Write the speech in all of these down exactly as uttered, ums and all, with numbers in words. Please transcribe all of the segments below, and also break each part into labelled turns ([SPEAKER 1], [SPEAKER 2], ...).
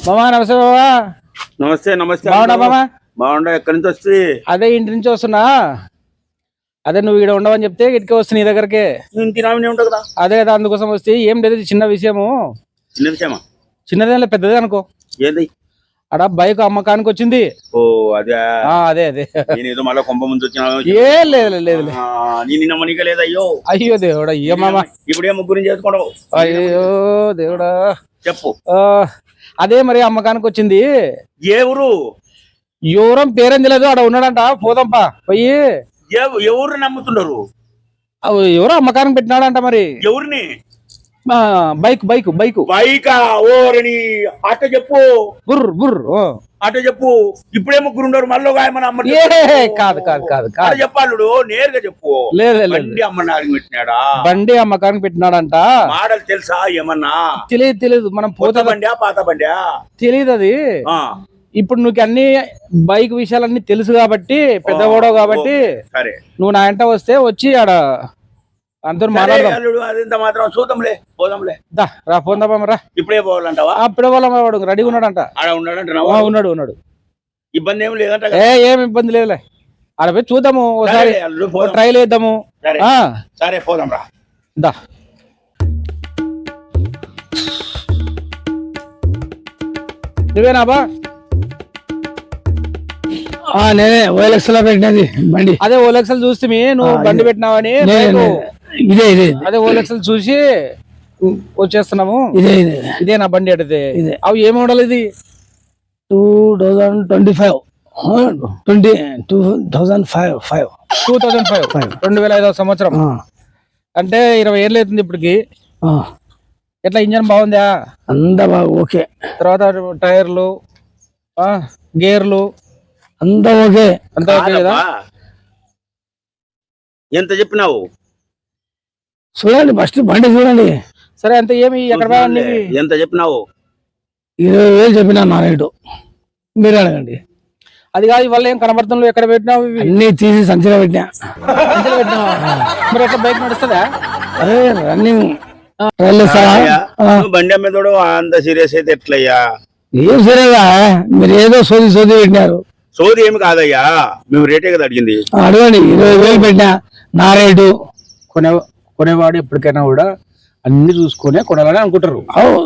[SPEAKER 1] మామా నమస్తే మామా.
[SPEAKER 2] నమస్తే నమస్తే
[SPEAKER 1] బాగున్నా మామా?
[SPEAKER 2] బాగుండా. ఎక్కడి నుంచి వస్తుంది?
[SPEAKER 1] అదే ఇంటి నుంచి వస్తున్నా. అదే నువ్వు ఇక్కడ ఉండవని చెప్తే ఇటుకే వస్తుంది నీ దగ్గరకే.
[SPEAKER 2] ఇంటి నామినే ఉంటుంది కదా.
[SPEAKER 1] అదే కదా అందుకోసం వస్తే ఏం లేదు, చిన్న విషయము.
[SPEAKER 2] చిన్న విషయమా?
[SPEAKER 1] చిన్నదే పెద్దదే అనుకో.
[SPEAKER 2] ఏంది?
[SPEAKER 1] అక్కడ బైక్ అమ్మకానికి వచ్చింది.
[SPEAKER 2] ఓ అదే
[SPEAKER 1] అదే అదే
[SPEAKER 2] నేను ఏదో మళ్ళీ కొంప ముందు వచ్చిన
[SPEAKER 1] ఏ లేదు లేదు
[SPEAKER 2] నేను నిన్న మనిక లేదు. అయ్యో
[SPEAKER 1] అయ్యో దేవుడా. అయ్యో మామా
[SPEAKER 2] ఇప్పుడే ముగ్గురిని చేసుకోవడం.
[SPEAKER 1] అయ్యో దేవుడా.
[SPEAKER 2] చెప్పు.
[SPEAKER 1] అదే మరి అమ్మకానికి వచ్చింది.
[SPEAKER 2] ఏ ఊరు?
[SPEAKER 1] ఎవరం పేరేం తెలియదు, ఆడ ఉన్నాడంట. పోదాంపా పోయి.
[SPEAKER 2] ఎవరు నమ్ముతున్నారు?
[SPEAKER 1] ఎవరో అమ్మకానికి పెట్టినాడంట. మరి
[SPEAKER 2] ఎవరిని?
[SPEAKER 1] బైక్ బైక్ బైక్
[SPEAKER 2] బైకా? ఓరని అట చెప్పు.
[SPEAKER 1] బుర్ర బుర్ర
[SPEAKER 2] అట చెప్పు. ఇప్పుడే ముగ్గురు ఉండరు, మళ్ళీ ఏమన్నా అమ్మ?
[SPEAKER 1] కాదు కాదు కాదు కాదు
[SPEAKER 2] చెప్పాడు. నేరుగా చెప్పు.
[SPEAKER 1] లేదు
[SPEAKER 2] బండి అమ్మడానికి పెట్టినాడా?
[SPEAKER 1] బండి అమ్మకానికి పెట్టినాడంట.
[SPEAKER 2] మోడల్ తెలుసా ఏమన్నా?
[SPEAKER 1] తెలియదు తెలియదు. మనం
[SPEAKER 2] పోత బండి పాత బండి
[SPEAKER 1] తెలియదు అది. ఇప్పుడు నువ్వు అన్ని బైక్ విషయాలన్నీ తెలుసు కాబట్టి, పెద్దవాడో కాబట్టి
[SPEAKER 2] సరే
[SPEAKER 1] నువ్వు నా వెంట వస్తే వచ్చి ఆడ అందరూ మాట్లాడదాం.
[SPEAKER 2] అదంతా మాత్రం చూద్దాంలే, పోదాంలే.
[SPEAKER 1] దా రా పోందామా రా.
[SPEAKER 2] ఇప్పుడే పోవాలంటావా?
[SPEAKER 1] అప్పుడే వాళ్ళ వాడు రెడీగా ఉన్నాడంట.
[SPEAKER 2] ఆడ ఉన్నాడంట.
[SPEAKER 1] ఉన్నాడు ఉన్నాడు.
[SPEAKER 2] ఇబ్బంది ఏమి లేదంట.
[SPEAKER 1] ఏ ఏమి ఇబ్బంది లేదులే. ఆడ పోయి చూద్దాము, ఒకసారి ట్రైల్ వేద్దాము.
[SPEAKER 2] సరే పోదాం రా.
[SPEAKER 1] దా నువ్వేనా బా?
[SPEAKER 3] నేనే ఓఎల్ఎక్స్ లో పెట్టినది బండి.
[SPEAKER 1] అదే ఓఎల్ఎక్స్ చూస్తే నువ్వు బండి పెట్టినావని
[SPEAKER 3] ఇదే ఇదే
[SPEAKER 1] అదే ఓఎల్ఎక్స్ చూసి వచ్చేస్తున్నాము.
[SPEAKER 3] ఇదే ఇదే
[SPEAKER 1] ఇదే నా బండి అడితే. అవి ఏ మోడల్ ఇది?
[SPEAKER 3] Two thousand twenty five twenty two thousand five five
[SPEAKER 1] two thousand five five రెండు వేల ఐదవ సంవత్సరం. అంటే ఇరవై ఏళ్ళు అవుతుంది ఇప్పటికి. ఎట్లా ఇంజన్ బాగుందా?
[SPEAKER 3] అంతా బాగా ఓకే.
[SPEAKER 1] తర్వాత టైర్లు, గేర్లు
[SPEAKER 3] అంతా ఓకే.
[SPEAKER 1] అంతా ఓకే కదా?
[SPEAKER 2] ఎంత చెప్పినావు?
[SPEAKER 3] చూడండి ఫస్ట్ బండి చూడండి.
[SPEAKER 1] సరే అంత ఏమి ఎక్కడ
[SPEAKER 2] ఎంత చెప్పినావు?
[SPEAKER 3] ఇరవై వేలు చెప్పినా నా రేటు. మీరు అడగండి.
[SPEAKER 1] అది కాదు ఇవాళ ఏం కనబడుతుందో. ఎక్కడ పెట్టినావు?
[SPEAKER 3] అన్ని తీసి సంచిలో పెట్టినా.
[SPEAKER 1] పెట్టినావా? మరి ఎట్లా బైక్ నడుస్తుందా?
[SPEAKER 3] అదే రన్నింగ్.
[SPEAKER 2] బండి అమ్మేదోడు అంత సీరియస్ అయితే ఎట్లయ్యా?
[SPEAKER 3] ఏం సరేగా, మీరు ఏదో సోది సోది పెట్టినారు.
[SPEAKER 2] సోది ఏమి కాదయ్యా, మేము రేటే కదా అడిగింది.
[SPEAKER 3] అడగండి. ఇరవై వేలు పెట్టినా నా రేటు.
[SPEAKER 1] కొనే కొనేవాడు ఎప్పటికైనా కూడా అన్ని చూసుకునే కొనాలని అనుకుంటారు.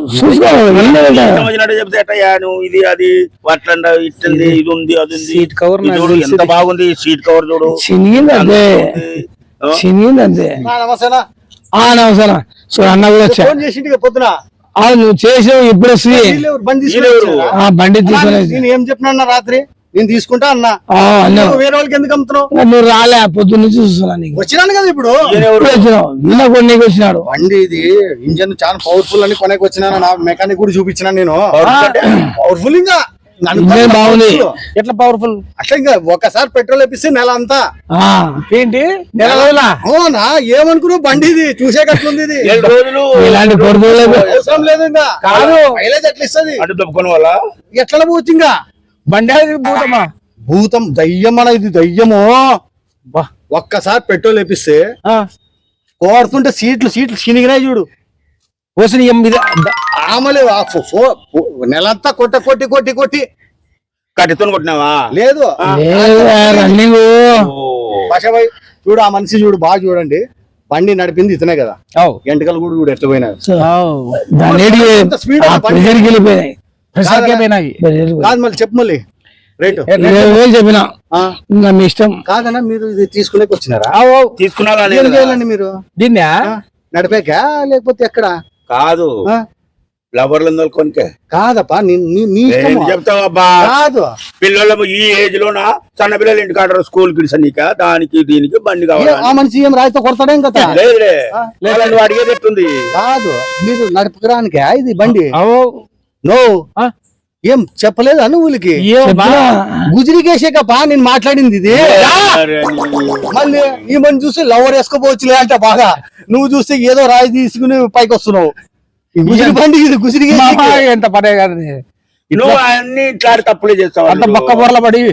[SPEAKER 2] చెప్తే ఎట్టయ్యా నువ్వు? ఇది అది అట్లా ఇట్టుంది, ఇది ఉంది, అది ఉంది.
[SPEAKER 1] సీట్ కవర్
[SPEAKER 2] ఎంత బాగుంది. సీట్ కవర్ చూడు,
[SPEAKER 3] చినిగింది అంతే, చినిగింది అంతే.
[SPEAKER 1] నమస్తేనా?
[SPEAKER 3] నమస్కారం. సో అన్న కూడా వచ్చా.
[SPEAKER 1] పొద్దున
[SPEAKER 3] నువ్వు చేసావు. ఇప్పుడు బండి తీసుకుని
[SPEAKER 1] ఏం చెప్పినా రాత్రి నేను తీసుకుంటా అన్నా. వేరే వాళ్ళకి ఎందుకు అమ్ముతున్నావు?
[SPEAKER 3] నువ్వు రాలే, పొద్దున్న నుంచి చూస్తున్నా.
[SPEAKER 1] వచ్చినాను కదా ఇప్పుడు.
[SPEAKER 3] వచ్చినావు కొనేకి వచ్చినాడు.
[SPEAKER 1] బండి ఇది ఇంజన్ చాలా పవర్ఫుల్ అని కొనేకి వచ్చినాను. నా మెకానిక్ కూడా చూపించినా నేను. పవర్ఫుల్ ఇంకా
[SPEAKER 3] బాగుంది.
[SPEAKER 1] ఎట్లా పవర్ఫుల్? అట్లా ఇంకా ఒకసారి పెట్రోల్ వేపిస్తే నెల అంతా. ఏంటి నెల రోజుల? అవునా? ఏమనుకున్నావు? బండి ఇది చూసేటట్లుంది. ఇది
[SPEAKER 3] ఇలాంటి
[SPEAKER 1] అవసరం లేదు ఇంకా. కాదు మైలేజ్ ఎట్లా ఇస్తుంది? ఎట్లా పోవచ్చు ఇంకా బండి? భూతమా? భూతం దయ్యం అన్న ఇది. దయ్యము. ఒక్కసారి పెట్రోల్ వేపిస్తే కోరుతుంటే సీట్లు సీట్లు చినిగినాయి చూడు. పోసిన ఆమలే నెలంతా కొట్ట కొట్టి కొట్టి కొట్టి
[SPEAKER 2] కట్టితో కొట్టినావా?
[SPEAKER 1] లేదు
[SPEAKER 3] రన్నింగ్.
[SPEAKER 1] భాషాబాయ్ చూడు, ఆ మనిషి చూడు, బాగా చూడండి. బండి నడిపింది ఇతనే కదా. ఎంటకలు కూడా చూడు ఎట్లా పోయినాయి. కాదు మళ్ళీ చెప్పు. మళ్ళీ రేటు
[SPEAKER 3] ఇరవై వేలు చెప్పినా. మీ ఇష్టం.
[SPEAKER 1] కాదన్నా మీరు ఇది తీసుకునేకి వచ్చినారా?
[SPEAKER 2] తీసుకున్నా
[SPEAKER 1] మీరు
[SPEAKER 3] దీన్ని
[SPEAKER 1] నడిపాక లేకపోతే ఎక్కడ?
[SPEAKER 2] కాదు లవర్లు కొనికే
[SPEAKER 1] కాదప్పా.
[SPEAKER 2] చెప్తావబ్బా? కాదు పిల్లలు ఈ ఏజ్ లోనా సన్న పిల్లలు ఇంటి కాడరు స్కూల్ కి నీక దానికి దీనికి బండి కావాలి.
[SPEAKER 1] ఆ మనిషి ఏం రాయితో కొడతాడేం కదా?
[SPEAKER 2] లేదులే, అడిగేది ఎట్టుంది?
[SPEAKER 1] కాదు మీరు నడపడానికి ఇది బండి. నో ఏం చెప్పలేదు నువ్వులకి? గుజరికేసేకపా నేను మాట్లాడింది ఇది. మళ్ళీ ఈ మని చూసి లవర్ వేసుకోపోవచ్చులే అంట బాగా. నువ్వు చూస్తే ఏదో రాయి తీసుకుని పైకి వస్తున్నావు. గుజరి బండి ఇది. గుజరికే ఎంత పడే కాదు.
[SPEAKER 2] నువ్వు అన్ని ఇట్లా తప్పులే చేస్తావు.
[SPEAKER 1] అంత బొక్క బొరల పడి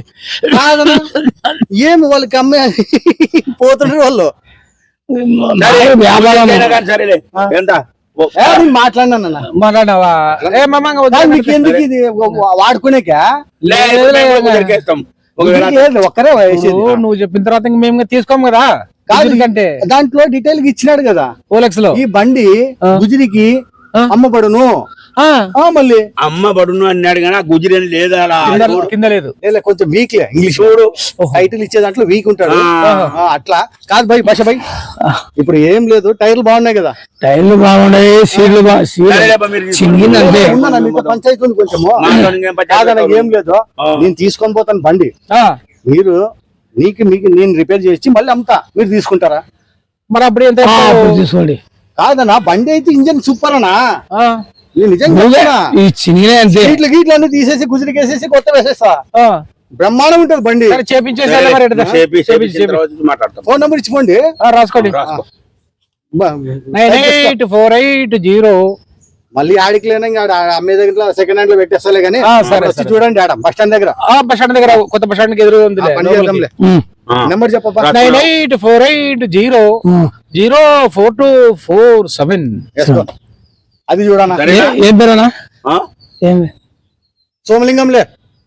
[SPEAKER 1] ఏమి వాళ్ళకి అమ్మే పోతుండ్రు వాళ్ళు.
[SPEAKER 2] సరేలే ఎంత
[SPEAKER 1] ఏ, నేను మాట్లాడినా
[SPEAKER 3] మాట్లాడినావా ఏ మామ
[SPEAKER 1] మీకు ఎందుకు ఇది వాడుకునేక
[SPEAKER 2] లే, మేము కుదిరికేస్తాం. ఒకవేళ
[SPEAKER 1] ఒక్కరే వేసేది.
[SPEAKER 3] నువ్వు చెప్పిన తర్వాత ఇంక మేము తీసుకోము కదా
[SPEAKER 1] కాదు
[SPEAKER 3] కంటే
[SPEAKER 1] దాంట్లో డీటెయిల్ గా ఇచ్చినాడు కదా
[SPEAKER 3] ఓలెక్స్ లో
[SPEAKER 1] ఈ బండి గుజిరికి
[SPEAKER 3] ఆ.
[SPEAKER 1] అమ్మబడును
[SPEAKER 3] ఆ,
[SPEAKER 1] ఆ, మళ్ళీ
[SPEAKER 2] అమ్మ బడును అన్నాడు కానీ ఆ గుజిరి అని లేదా అలా
[SPEAKER 3] కింద- కింద లేదు
[SPEAKER 1] లే, కొంచెం వీక్ లే ఇంగ్లీష్ చూడు టైటిల్ ఇచ్చే దాంట్లో వీక్ ఉంటాడు
[SPEAKER 2] ఆ.
[SPEAKER 1] ఆ, అట్లా కాదు భయ్ భాష భయ్ ఇప్పుడు ఏం లేదు టైర్లు బాగున్నాయి కదా
[SPEAKER 3] టైర్లు బాగున్నాయి సీట్లు బా సీట్లు
[SPEAKER 2] సరేలేబ్బా, మీరు
[SPEAKER 3] చింగింది అంతే
[SPEAKER 1] ఉందన్న, మీతో పంచాయతీ ఉంది కొంచెము
[SPEAKER 2] మాతో ఇంకేం పంచాయతీ
[SPEAKER 1] కాదన్న,
[SPEAKER 2] లేదు.
[SPEAKER 1] ఏం లేదు
[SPEAKER 2] ఆ.
[SPEAKER 1] నేను తీసుకొని పోతాను బండి
[SPEAKER 3] ఆ,
[SPEAKER 1] మీరు నీకు మీకు నేను రిపేర్ చేసి మళ్ళీ అమ్ముతా మీరు తీసుకుంటారా?
[SPEAKER 3] మరి అప్పుడు ఎంత
[SPEAKER 4] ఆ,
[SPEAKER 3] ఇస్తావు?
[SPEAKER 4] అప్పుడు తీసుకోండి.
[SPEAKER 1] కాదన్నా బండి అయితే ఇంజన్ సూపర్ అన్నా
[SPEAKER 3] ఆ,
[SPEAKER 1] నేను నిజంగా
[SPEAKER 4] నువ్వే
[SPEAKER 1] చెప్తున్నా.
[SPEAKER 4] ఈ చినిగినే అంతే.
[SPEAKER 1] గీట్లు గీట్లు అన్ని తీసేసి గుజరికేసేసి కొత్త వేసేస్తా
[SPEAKER 3] ఆ.
[SPEAKER 1] బ్రహ్మాండం ఉంటుంది బండి.
[SPEAKER 3] సరే చేపించేసి
[SPEAKER 2] సరే,
[SPEAKER 3] మరి ఎడతా.
[SPEAKER 2] చేపి
[SPEAKER 3] చేపించి,
[SPEAKER 2] చేపించిన
[SPEAKER 3] చేపించి.
[SPEAKER 2] తర్వాత మాట్లాడతాం.
[SPEAKER 1] ఫోన్ నెంబర్ ఇచ్చిపోండి.
[SPEAKER 3] ఆ, రాసుకోండి
[SPEAKER 2] రాసుకో.
[SPEAKER 1] బ-
[SPEAKER 3] nine eight four eight zero
[SPEAKER 1] మళ్ళీ ఆడికి లేనా ఇంకా ఆడ అమ్మే దగ్గర సెకండ్ హ్యాండ్ లో పెట్టేస్తాలే కానీ
[SPEAKER 3] ఆ, సరే,
[SPEAKER 1] వచ్చి
[SPEAKER 3] సరే.
[SPEAKER 1] చూడండి ఆడ బస్ స్టాండ్ దగ్గర
[SPEAKER 3] బస్ స్టాండ్ దగ్గర కొత్త బస్ స్టాండ్ కి ఎదురు ఉంది
[SPEAKER 1] ఆ పని చేద్దాంలే.
[SPEAKER 4] ఉమ్,
[SPEAKER 2] ఆ.
[SPEAKER 1] నెంబర్ చెప్పబ్బా.
[SPEAKER 2] రా.
[SPEAKER 3] Nine eight four eight zero
[SPEAKER 4] um.
[SPEAKER 3] Zero four two four seven
[SPEAKER 1] వేసుకో. అది చూడనా
[SPEAKER 2] సరేనా?
[SPEAKER 4] ఏ- ఏం పేరేనా
[SPEAKER 2] ఆ?
[SPEAKER 4] ఏం
[SPEAKER 1] సోమలింగంలే.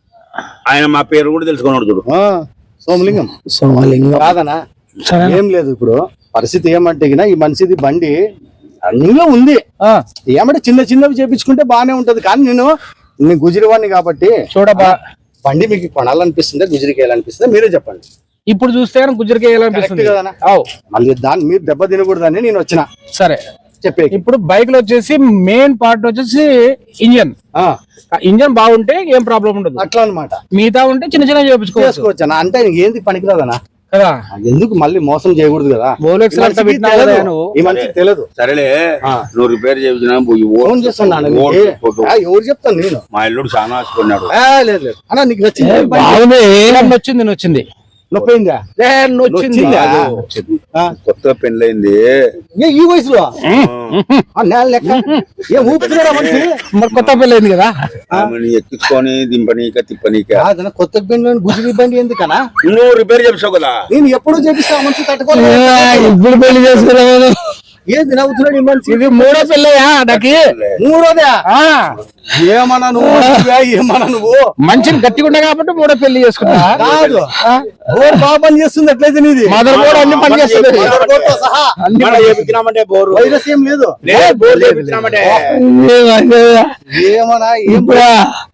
[SPEAKER 2] ఆయన మా పేరు కూడా తెలుసుకున్నాడు చూడు.
[SPEAKER 1] ఆ, సోమలింగం
[SPEAKER 4] సోమలింగం.
[SPEAKER 1] కాదనా
[SPEAKER 4] సరే
[SPEAKER 1] ఏం లేదు ఇప్పుడు పరిస్థితి ఏమంటే గినా ఈ మనిషిది బండి రన్నింగ్ లో ఉంది. ఏమంటే చిన్న చిన్నవి చేపించుకుంటే బానే ఉంటది కానీ నేను నేను గుజరివాడిని కాబట్టి
[SPEAKER 3] చూడబ్బా
[SPEAKER 1] బండి మీకు కొనాలనిపిస్తుందా గుజరికి వేయాలనిపిస్తుందా మీరే చెప్పండి.
[SPEAKER 3] ఇప్పుడు చూస్తే గుజ్జరికి వేయాలనిపిస్తుంది
[SPEAKER 1] కరెక్ట్ కదనా?
[SPEAKER 3] అవు
[SPEAKER 1] మళ్ళీ దాన్ని మీరు దెబ్బ తినకూడదని నేను వచ్చిన
[SPEAKER 3] సరే
[SPEAKER 1] చెప్పే
[SPEAKER 3] ఇప్పుడు బైక్ లో వచ్చేసి మెయిన్ పార్ట్ వచ్చేసి ఇంజన్ ఇంజన్ బాగుంటే ఏం ప్రాబ్లం ఉండదు
[SPEAKER 1] అట్లా అనమాట
[SPEAKER 3] మిగతా ఉంటే చిన్న చిన్న చేపించుకోవచ్చు
[SPEAKER 1] చేసుకోవచ్చు అన్న. అంటే నీకు ఏంది పనికిరాదనా
[SPEAKER 3] కదా
[SPEAKER 1] ఎందుకు మళ్ళీ మోసం చేయకూడదు కదా.
[SPEAKER 3] Rolex
[SPEAKER 1] ఈ
[SPEAKER 3] లో అంతా
[SPEAKER 1] మనిషికి
[SPEAKER 3] పెట్టినా
[SPEAKER 1] తెలియదు.
[SPEAKER 3] కదా నువ్వు?
[SPEAKER 1] ఈ మనిషికి తెలియదు.
[SPEAKER 2] సరేలే
[SPEAKER 1] ఆ.
[SPEAKER 2] నువ్వు రిపేర్ చేయించిన
[SPEAKER 1] ఫోన్ చేస్తున్నాను నీకు. ఆ, ఎవరు చెప్తాను నేను.
[SPEAKER 2] మా ఇల్లుడు చాలా ఆశకున్నాడు.
[SPEAKER 1] ఆ, లేదు లేదు అన్న నీకు నచ్చింది బండి?
[SPEAKER 4] బాగుంది.
[SPEAKER 3] నొచ్చింది నొచ్చింది
[SPEAKER 1] నొప్పిందా
[SPEAKER 3] ఏ, నొచ్చింది
[SPEAKER 1] నొచ్చిందా? ఆ.
[SPEAKER 2] కొత్త పెళ్ళైంది.
[SPEAKER 1] ఏ ఈ వయసులో ఆ, నేల లెక్క ఏ ఊపుతున్నాడా మనిషి?
[SPEAKER 3] మరి కొత్త పెళ్ళి అయింది కదా
[SPEAKER 2] ఆమెను ఎక్కించుకొని దింపనీక తిప్పనీక.
[SPEAKER 1] కాదన్న, కొత్త బండి గుజరీ బండి ఎందుకనా?
[SPEAKER 2] నువ్వు రిపేర్ చేసావు కదా.
[SPEAKER 1] నేను ఎప్పుడు చేపిస్తా ఆ మనిషి తట్టుకోలేదు.
[SPEAKER 4] ఏ, ఇప్పుడు పెళ్లి చేసుకున్నాను.
[SPEAKER 1] ఏంది నవ్వుతున్నాడు ఈ మనిషి?
[SPEAKER 3] ఇది మూడో పెళ్ళయా నాకి
[SPEAKER 1] మూడోదే
[SPEAKER 3] ఆ,
[SPEAKER 1] ఏమన్నా నువ్వు మనిషివా? ఏమన్నా నువ్వు
[SPEAKER 3] మంచిని గట్టిగా ఉండే కాబట్టి మూడో పెళ్లి చేసుకున్నా
[SPEAKER 1] కాదు బోర్ బాగా పని చేస్తుంది ఎట్లయితే నీది
[SPEAKER 3] మదర్ బోర్డ్ అన్ని పని చేస్తుంది
[SPEAKER 1] మదర్ బోర్డ్తో సహా
[SPEAKER 3] అన్ని
[SPEAKER 2] మనం
[SPEAKER 3] పని చేస్తుంది.
[SPEAKER 2] చేపించినామంటే బోరు
[SPEAKER 1] వైరస్ ఏం లేదు.
[SPEAKER 2] లేదు, బోరు చేపించినామంటే
[SPEAKER 4] ఏ, అదే.
[SPEAKER 1] ఏమన్నా ఏం
[SPEAKER 4] ఇప్పుడు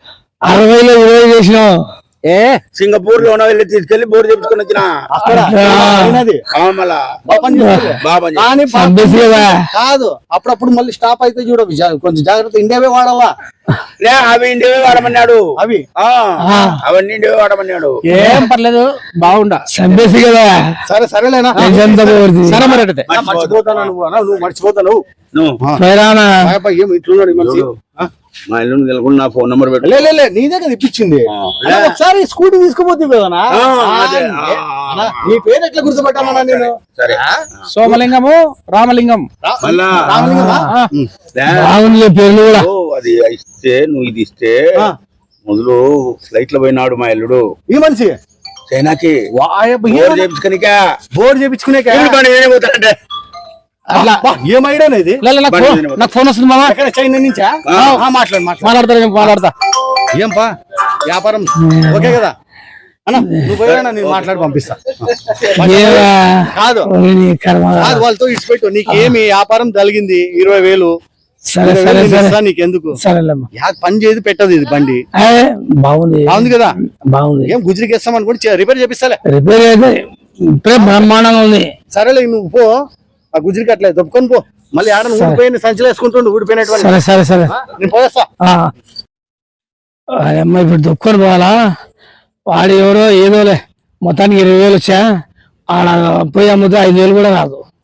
[SPEAKER 4] అరవైలో ఇరవై చేసినాం.
[SPEAKER 3] ఏ
[SPEAKER 2] సింగపూర్ లో వెళ్ళి తీసుకెళ్లి బోరు చేపించుకొని వచ్చిన.
[SPEAKER 1] అక్కడ అయినది
[SPEAKER 2] ఆ, మళ్ళా
[SPEAKER 1] బాగా పని చేస్తుంది.
[SPEAKER 2] బాగా పని
[SPEAKER 1] కానీ పా-
[SPEAKER 4] సంబేసి కదా.
[SPEAKER 1] కాదు అప్పుడప్పుడు మళ్ళీ స్టాప్ అయితే చూడ జా- కొంచెం జాగ్రత్త ఇండియావే వాడాలా
[SPEAKER 2] లే, అవి ఇండివే వాడమన్నాడు.
[SPEAKER 1] అవి
[SPEAKER 2] ఆ,
[SPEAKER 4] ఆ.
[SPEAKER 2] అవన్నీ ఇండివే వాడమన్నాడు.
[SPEAKER 3] ఏం పర్లేదు బాగుండా
[SPEAKER 4] సంబేసి కదా.
[SPEAKER 1] సరే సరేలేనా
[SPEAKER 4] ఎంత పోతుంది.
[SPEAKER 3] సరే మరి అయితే
[SPEAKER 1] ఆ, మర్చిపోతాను నువ్వు అన్నా, నువ్వు మర్చిపోతాను
[SPEAKER 2] నువ్వు
[SPEAKER 4] పోయిరానా?
[SPEAKER 1] ఏం ఇట్లున్నాడు ఈ మనిషి ఆ?
[SPEAKER 2] మా ఇల్లు తెలుగుని నా ఫోన్ నెంబర్ పెట్టు.
[SPEAKER 1] లే లే, లే నీదే కదా ఇప్పించింది
[SPEAKER 2] ఆ.
[SPEAKER 1] అన్నా, ఒకసారి స్కూటీ తీసుకుపోతే కదనా
[SPEAKER 2] ఆ, అదే. ఆ,
[SPEAKER 1] అన్నా, నీ పేరు ఎట్లా గుర్తుపెట్టామన్నా నేను
[SPEAKER 2] సరే.
[SPEAKER 3] సోమలింగము రామలింగం
[SPEAKER 1] రా-
[SPEAKER 2] మళ్ళా
[SPEAKER 1] రామలింగమా?
[SPEAKER 3] ఆ,
[SPEAKER 1] ఉమ్.
[SPEAKER 2] లే,
[SPEAKER 4] బాగుంది పేర్లు కూడా.
[SPEAKER 2] ఓ, అది ఇస్తే నువ్వు ఇది ఇస్తే
[SPEAKER 1] ఆ.
[SPEAKER 2] మొదలు ఫ్లైట్ లో పోయినాడు మా ఇల్లుడు
[SPEAKER 1] ఈ మనిషి
[SPEAKER 2] చైనాకి.
[SPEAKER 1] వాయబ్బ,
[SPEAKER 2] బోర్
[SPEAKER 1] ఏమన్నా?
[SPEAKER 2] చేపించుకనిక
[SPEAKER 1] బోర్డు చేపించుకునే
[SPEAKER 2] పోతాడంటే
[SPEAKER 3] అట్లా
[SPEAKER 1] ఏం ఐడియా ఇది
[SPEAKER 3] లే, లే, నాకు
[SPEAKER 2] బండి
[SPEAKER 3] ఫోన్-
[SPEAKER 2] మీద
[SPEAKER 3] నాకు ఫోన్ వస్తుంది మామ
[SPEAKER 1] ఎక్కడ చైనా నుంచా
[SPEAKER 2] ఆ.
[SPEAKER 1] ఆ, మాట్లాడు మాట్లాడు
[SPEAKER 3] మాట్లాడతా నేను మాట్లాడతా
[SPEAKER 1] ఏం పా వ్యాపారం ఓకే కదా అన్న నువ్వు పోయినా నేను మాట్లాడి పంపిస్తా
[SPEAKER 4] ఏవా?
[SPEAKER 1] కాదు
[SPEAKER 4] ఓరి నీ కర్మ.
[SPEAKER 1] కాదు వాళ్ళతో ఇచ్చిపెట్టు నీకేమి వ్యాపారం జరిగింది ఇరవై వేలు
[SPEAKER 4] సరే
[SPEAKER 1] ఇరవై
[SPEAKER 4] సరే
[SPEAKER 1] వేలు
[SPEAKER 4] సరే
[SPEAKER 1] ఇస్తా నీకెందుకు
[SPEAKER 4] సరేలేమ్మా.
[SPEAKER 1] యా పని చేయదు పెట్టదు ఇది బండి
[SPEAKER 4] ఏ, బాగుంది
[SPEAKER 1] బాగుంది కదా
[SPEAKER 4] బాగుంది.
[SPEAKER 1] ఏం గుజరికి వేస్తాం అనుకోండి రిపేర్ చేపిస్తాలే
[SPEAKER 4] రిపేర్ అయితే ఇప్పుడే బ్రహ్మాండంగా ఉంది.
[SPEAKER 1] సరేలే నువ్వు పో ఆ గుజరికి అట్లే దొప్పుకొని పో మళ్ళీ ఆడ ఊడిపోయిన సంచులు వేసుకుంటుండు ఊడిపోయినటువంటి
[SPEAKER 4] సరే సరే సరే
[SPEAKER 1] ఆ, నేను పోయేస్తా
[SPEAKER 4] ఆ. అమ్మ ఇప్పుడు దుఃఖం పోవాలా? వాడు ఎవరో ఏదోలే మొత్తానికి ఇరవై వేలు వచ్చా ఆడ పోయి అమ్ముతే ఐదు వేలు కూడా రాదు.